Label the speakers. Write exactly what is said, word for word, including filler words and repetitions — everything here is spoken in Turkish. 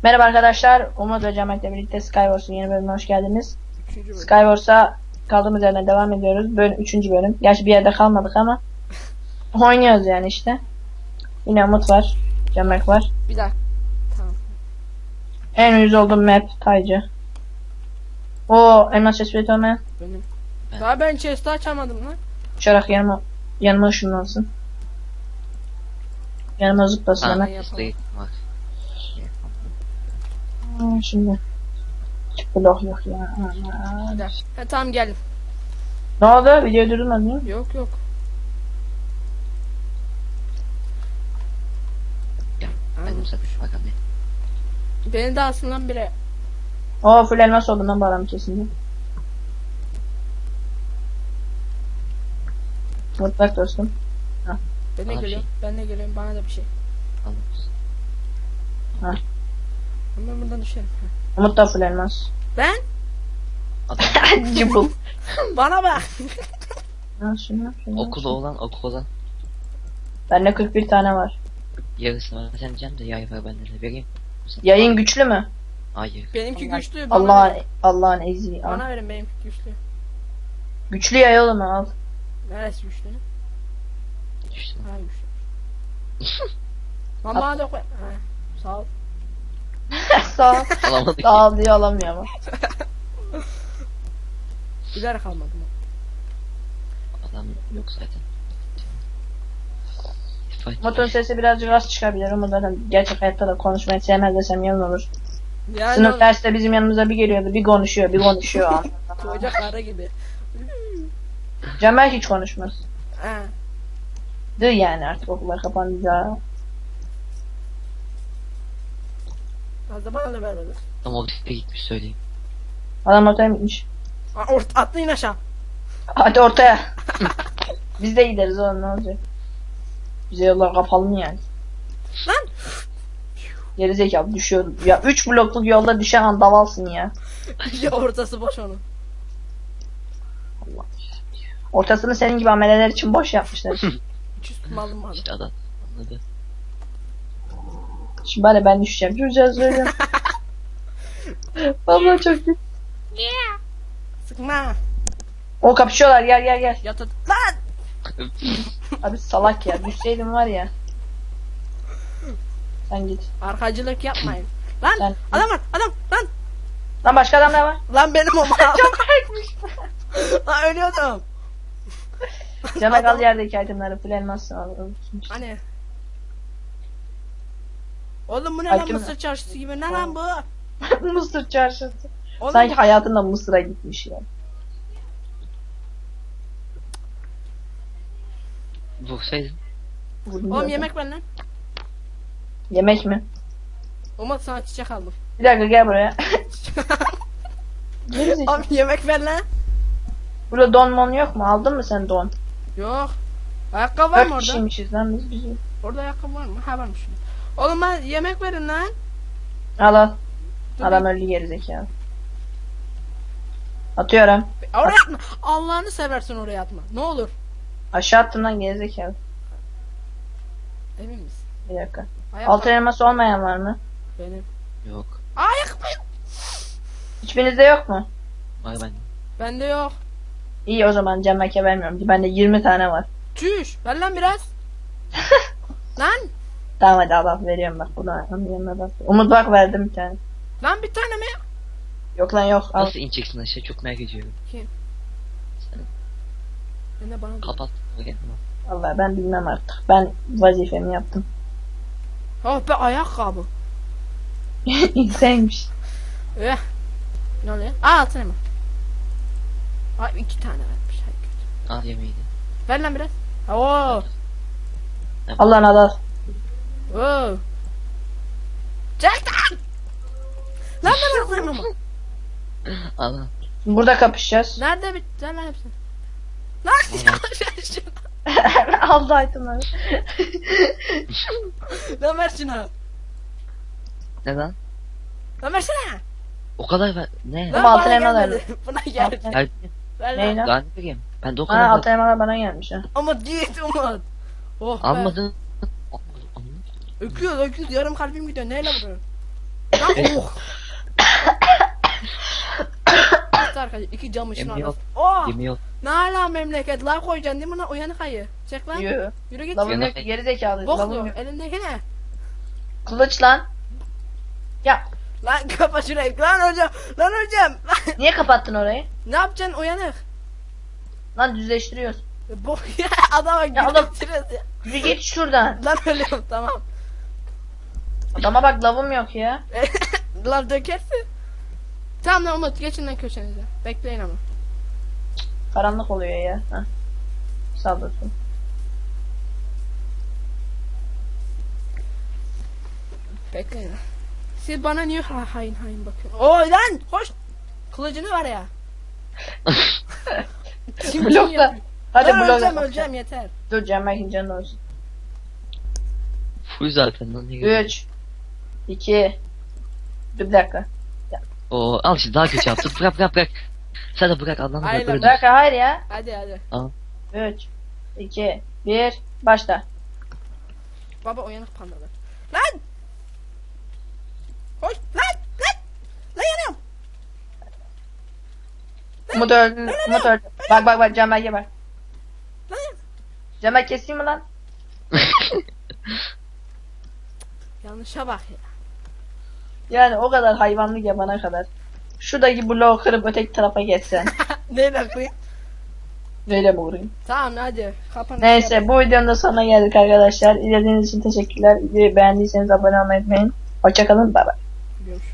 Speaker 1: Merhaba arkadaşlar, Umut ve Cemal'le birlikte Skywars'un yeni bölümüne hoş geldiniz.
Speaker 2: Bölüm.
Speaker 1: Skywars'a kaldığımız yerden devam ediyoruz. Bölüm, üçüncü bölüm. Gerçi bir yerde kalmadık ama oynuyoruz yani işte. Yine Umut var, Cemal var.
Speaker 2: Bir dakika. Tamam.
Speaker 1: En uyuz olduğum map Taycı. O elmas chestplate olmayan.
Speaker 2: Benim. Daha ben chest'i açamadım lan.
Speaker 1: Uçarak yanıma, yanıma ışınlansın. Yanıma zıplasın
Speaker 2: Ha.
Speaker 1: hemen.
Speaker 2: yapalım.
Speaker 1: Ha, şimdi. Hiç blok yok ya.
Speaker 2: Bir
Speaker 1: Aman.
Speaker 2: dakika. Ha, tamam geldim.
Speaker 1: Ne oldu? Video durdurmadın mı?
Speaker 2: Yok yok.
Speaker 3: Benim satış bakalım.
Speaker 2: Beni de alsın lan biri.
Speaker 1: Oo full elmas oldu lan bu adam kesinlikle. Mutlak dostum.
Speaker 2: Ben de
Speaker 3: Bana bir
Speaker 2: geliyorum. Ben de geliyorum. Bana da bir şey.
Speaker 3: Alırız.
Speaker 1: Ha.
Speaker 2: Ben buradan düşerim. Ha.
Speaker 1: Umut da full elmas.
Speaker 2: Ben?
Speaker 3: Adam
Speaker 1: Cıbıl.
Speaker 2: Bana bak.
Speaker 1: Ha şunu şunu.
Speaker 3: okulu olan okul olan
Speaker 1: Bende kırk bir tane var.
Speaker 3: yarısını vereceğim de yay var bende de vereyim.
Speaker 1: Yayın güçlü mü?
Speaker 3: Hayır.
Speaker 2: Benimki güçlü. Bana
Speaker 1: Allah'ın
Speaker 2: verin.
Speaker 1: Allah'ın ezi. Al.
Speaker 2: Bana verin benimki güçlü.
Speaker 1: Güçlü yay oğlum al.
Speaker 2: Neresi güçlü?
Speaker 3: Düştü.
Speaker 2: Ha güçlü. Lan bana da koy. Ha. Sağ ol.
Speaker 1: Sağ ol.
Speaker 3: Alamadık.
Speaker 1: Sağ ol diye alamıyor ama.
Speaker 2: Bilerek almadım.
Speaker 3: Adam yok zaten. Fight.
Speaker 1: Umut'un sesi birazcık az çıkabilir. Umut zaten gerçek hayatta da konuşmayı sevmez desem yalan olur.
Speaker 2: Yani
Speaker 1: Sınıf
Speaker 2: o-
Speaker 1: derste bizim yanımıza bir geliyordu. Bir konuşuyor bir konuşuyor.
Speaker 2: koca karı gibi.
Speaker 1: Cemal hiç konuşmaz.
Speaker 2: Ha.
Speaker 1: Dı yani artık okullar kapanınca.
Speaker 2: Fazla bana da vermedi.
Speaker 3: Ama o tipe gitmiş söyleyeyim.
Speaker 1: Adam ortaya gitmiş.
Speaker 2: Ha, ort atlayın aşağı.
Speaker 1: Hadi ortaya. Biz de gideriz oğlum ne olacak? Bize yollar kapalı mı yani?
Speaker 2: Lan.
Speaker 1: Gerizekalı düşüyor. Ya üç blokluk yolda düşen an davalsın ya.
Speaker 2: Ya ortası boş onun.
Speaker 1: Allah. Ortasını senin gibi ameleler için boş yapmışlar.
Speaker 2: Hiç üstüme alınmadı.
Speaker 3: İşte adam anladı.
Speaker 1: Şimdi bari ben düşeceğim. Duracağız böyle. Vallahi çok iyi.
Speaker 2: Sıkma.
Speaker 1: O kapışıyorlar gel gel gel.
Speaker 2: Yat at. Lan.
Speaker 1: Abi salak ya düşseydim var ya. Sen git.
Speaker 2: Arkacılık yapmayın. Lan.
Speaker 1: Sen-
Speaker 2: Adam var. Adam. Lan.
Speaker 1: Lan başka adam ne var?
Speaker 2: Lan benim o mal.
Speaker 1: Çok farkmış.
Speaker 2: Lan ölüyordum.
Speaker 1: Cemal al yerdeki itemleri full elmasını al.
Speaker 2: Hani. Oğlum bu ne lan
Speaker 1: Hakim-
Speaker 2: mısır çarşısı gibi ne lan bu?
Speaker 1: Mısır çarşısı.
Speaker 2: Oğlum,
Speaker 1: Sanki hayatında Mısır'a gitmiş ya.
Speaker 3: Vursaydın.
Speaker 2: oğlum yemek ver lan.
Speaker 1: Yemek mi?
Speaker 2: Umut sana çiçek aldım.
Speaker 1: Bir dakika gel buraya. Gerizekalı.
Speaker 2: Oğlum yemek ver lan.
Speaker 1: Burada don mon yok mu? Aldın mı sen don?
Speaker 2: Yok. Ayakkabı var mı
Speaker 1: Dört
Speaker 2: orada?
Speaker 1: kişiymişiz lan biz biz.
Speaker 2: Orada ayakkabı var mı? Ha varmış. Oğlum ben yemek verin lan.
Speaker 1: Al al.
Speaker 2: Dur
Speaker 1: Adam öldü gerizekalı. Atıyorum.
Speaker 2: Oraya atma. Allah'ını seversin oraya atma. Ne olur.
Speaker 1: Aşağı attım lan gerizekalı.
Speaker 2: Emin misin?
Speaker 1: Bir dakika.
Speaker 2: Ayakkabı
Speaker 1: Altın elması olmayan var mı?
Speaker 2: benim.
Speaker 3: Yok.
Speaker 2: Ayakkabı.
Speaker 1: Hiçbirinizde yok mu?
Speaker 3: Var bende.
Speaker 2: Bende yok.
Speaker 1: İyi o zaman Cemek'e vermiyorum. Bende yirmi tane var.
Speaker 2: Çüş. Ver lan biraz. Lan.
Speaker 1: Tamam hadi al al veriyorum bak. Buna onun yanına bak. Umut bak verdim bir tane.
Speaker 2: Lan bir tane mi?
Speaker 1: Yok lan yok. Al.
Speaker 3: Nasıl ineceksin aşağı çok merak ediyorum.
Speaker 2: Kim?
Speaker 3: Sen
Speaker 2: Ben de bana.
Speaker 3: kapat. Kendini.
Speaker 1: Vallahi ben bilmem artık. Ben vazifemi yaptım.
Speaker 2: Oh be ayakkabı.
Speaker 1: İnseymiş.
Speaker 2: Eh. Ne oluyor? Aa altın mı? Ay iki tane vermiş. Hay kötü.
Speaker 3: Al yemeğini.
Speaker 2: Ver lan biraz. Oo.
Speaker 1: Allah'ın al al.
Speaker 2: Oo. Çek lan. Lan ben alayım ama.
Speaker 3: Al al.
Speaker 1: Şimdi burada kapışacağız.
Speaker 2: Nerede bitti lan hepsini? Lan ya.
Speaker 1: Aldı itemleri.
Speaker 2: Lan ver şunu.
Speaker 3: Ne lan?
Speaker 2: Lan versene.
Speaker 3: O kadar ver. Ne?
Speaker 2: Lan
Speaker 1: Ama altın
Speaker 2: bana
Speaker 1: elma
Speaker 2: gelmedi.
Speaker 1: verdi.
Speaker 2: Buna geldi.
Speaker 3: Her
Speaker 2: Ver
Speaker 1: Ne
Speaker 2: lan.
Speaker 1: lan?
Speaker 3: daha ne vereyim? Ben de o
Speaker 1: Ha
Speaker 3: kadar
Speaker 1: altın
Speaker 3: ver.
Speaker 1: elmalar bana gelmiş ha.
Speaker 2: Umut git Umut. Oh be.
Speaker 3: Almadın.
Speaker 2: Öküyoruz öküyoruz yarım kalbim gidiyor neyle vuruyor? Lan oh. İşte arkadaşlar iki camışın
Speaker 3: Yemin yok.
Speaker 2: arası. Oh.
Speaker 3: Yemin yok.
Speaker 2: Ne hala memleket lav koyacaksın değil mi lan uyanık ayı. Çek lan.
Speaker 1: Yürü.
Speaker 2: Yürü git.
Speaker 1: Lavım
Speaker 3: Yana-
Speaker 1: yok ki, geri zekalı. Lavım
Speaker 2: Boklu.
Speaker 1: yok.
Speaker 2: Elindeki ne?
Speaker 1: Kılıç lan. Ya
Speaker 2: Lan kapa şurayı. Lan hocam. Lan hocam. Lan.
Speaker 1: niye kapattın orayı?
Speaker 2: Ne yapacaksın uyanık?
Speaker 1: Lan düzleştiriyoruz.
Speaker 2: Bu ya adama
Speaker 1: Ya adam-
Speaker 2: gülüyoruz ya.
Speaker 1: Yürü git şuradan.
Speaker 2: Lan ölüyorum tamam.
Speaker 1: Adama bak lavım yok ya.
Speaker 2: Lan dökersin. Tamam lan Umut geçin lan köşenize. Bekleyin ama.
Speaker 1: Karanlık oluyor ya. Heh. Sağ olasın.
Speaker 2: Bekleyin lan. Siz bana niye ha hain hain bakıyorsunuz? Oy lan koş. Kılıcını var ya. Kim kim
Speaker 1: Blokla.
Speaker 2: yapıyor?
Speaker 1: Hadi
Speaker 2: Ben
Speaker 1: blokla.
Speaker 2: öleceğim öleceğim yeter.
Speaker 1: Dur Cemal'in canı olsun.
Speaker 3: Full zaten lan. ne gerek-
Speaker 1: üç iki Dur bir dakika.
Speaker 3: Oo al işte daha kötü yaptın. Bırak bırak bırak. Sen de bırak Allah'ını
Speaker 2: Aynen.
Speaker 3: bırak. Böyle
Speaker 1: Bir dakika hayır ya.
Speaker 2: Hadi hadi.
Speaker 1: üç iki bir Başla.
Speaker 2: Baba uyanık pandalar. Lan! Koş lan lan! Lan yanıyorum.
Speaker 1: Umut öldü. Umut öldü. Bak bak bak Cemal'e bak.
Speaker 2: Lan!
Speaker 1: Cemal keseyim mi lan?
Speaker 2: Yanlışa bak ya.
Speaker 1: Yani o kadar hayvanlık yapana kadar. Şuradaki bloğu kırıp öteki tarafa geçsen.
Speaker 2: Neyle koyayım?
Speaker 1: Böyle mi vurayım?
Speaker 2: Tamam hadi. Kapanış
Speaker 1: Neyse
Speaker 2: yap.
Speaker 1: bu videonun da sonuna geldik arkadaşlar. İzlediğiniz için teşekkürler. Videoyu beğendiyseniz abone olmayı unutmayın. Hoşçakalın. Bay bay.
Speaker 2: Görüşürüz.